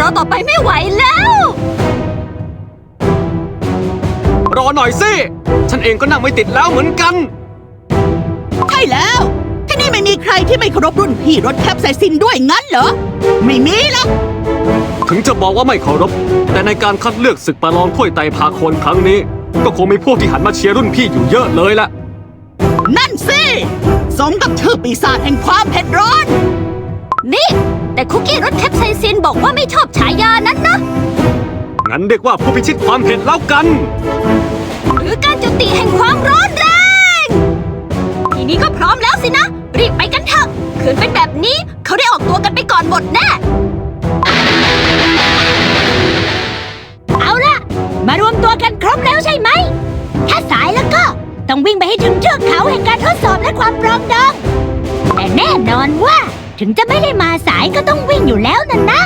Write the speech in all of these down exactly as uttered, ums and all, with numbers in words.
อต่อไปไม่ไหวแล้วรอหน่อยสิ ฉันเองก็นั่งไม่ติดแล้วเหมือนกันใช่แล้วที่นี่ไม่มีใครที่ไม่เคารพรุ่นพี่รถแคปไซซินด้วยงั้นเหรอไม่มีหรอกถึงจะบอกว่าไม่เคารพแต่ในการคัดเลือกศึกประลองถ้วยไตรภาโคนครั้งนี้ ก็คงมีพวกที่หันมาเชียร์รุ่นพี่อยู่เยอะเลยละนั่นสิสมกับชื่อปีศาจแห่งความเผ็ดร้อนนี่ แต่คุกกี้รสแคปไซซินบอกว่าไม่ชอบฉายานั้นนะงั้นเรียกว่าผู้พิชิตความเผ็ดแล้วกันหรือการจุติแห่งความร้อนแรงทีนี้ก็พร้อมแล้วสินะ รีบไปกันเถอะขืนเป็นแบบนี้เขาได้ออกตัวกันไปก่อนหมดแน่ เอาล่ะ มารวมตัวกันครบแล้วใช่ไหม ถ้าสายแล้วก็ต้องวิ่งไปให้ถึงเทือกเขาแห่งการทดสอบและความปรองดอง แต่แน่นอนว่าถึงจะไม่ได้มาสายก็ต้องวิ่งอยู่แล้วนั่นนะ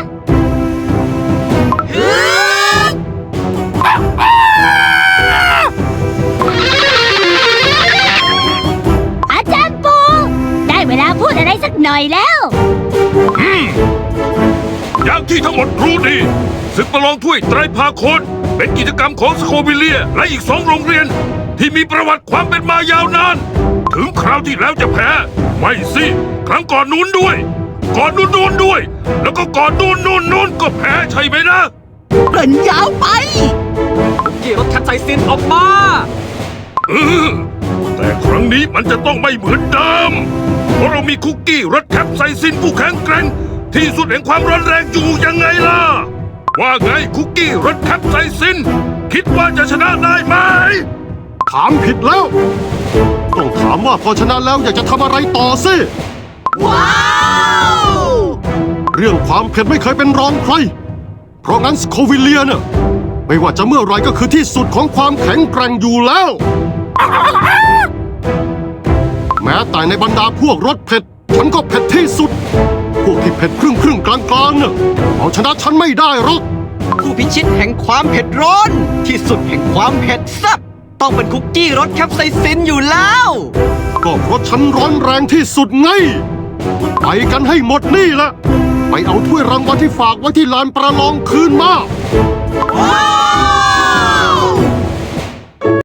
อาจารย์ปูได้เวลาพูดอะไรสักหน่อยแล้วอย่างที่ทั้งหมดรู้ดีศึกประลองถ้วยไตรภาโคนเป็นกิจกรรมของสโควิเลียและอีกสองโรงเรียน ที่มีประวัติความเป็นมายาวนาน ถึงคราวที่แล้วจะแพ้ ไม่สิครั้งก่อนนู้นด้วย ก่อนนู้นนู้นด้วย แล้วก็ก่อนนู้นนู้นนู้นก็แพ้ใช่ไหมนะเกินยาวไปคุกกี้รสแคปไซซินออกมาเออแต่ครั้งนี้มันจะต้องไม่เหมือนเดิมเพราะเรามีคุกกี้รสแคปไซซินผู้แข็งแกร่งที่สุดแห่งความร้อนแรงอยู่ยังไงล่ะ ว่าไงคุกกี้รสแคปไซซิน คิดว่าจะชนะได้ไหมถามผิดแล้ว ต้องถามว่าพอชนะแล้วอยากจะทำอะไรต่อสิว้าวเรื่องความเผ็ดไม่เคยเป็นรองใคร เพราะงั้นสโควิเลียเนี่ยไม่ว่าจะเมื่อไรก็คือที่สุดของความแข็งแกร่งอยู่แล้ว แม้แต่ในบรรดาพวกรสเผ็ด ฉันก็เผ็ดที่สุด พวกที่เผ็ดครึ่งครึ่งกลางกลางเนี่ยเอาชนะฉันไม่ได้หรอกผู้พิชิตแห่งความเผ็ดร้อน ที่สุดแห่งความเผ็ดแซ่บต้องเป็นคุกกี้รสแคปไซซินอยู่แล้วก็เพราะฉันร้อนแรงที่สุดไง ไปกันให้หมดนี่แหละ ไปเอาถ้วยรางวัลที่ฝากไว้ที่ลานประลองคืนมาว้าว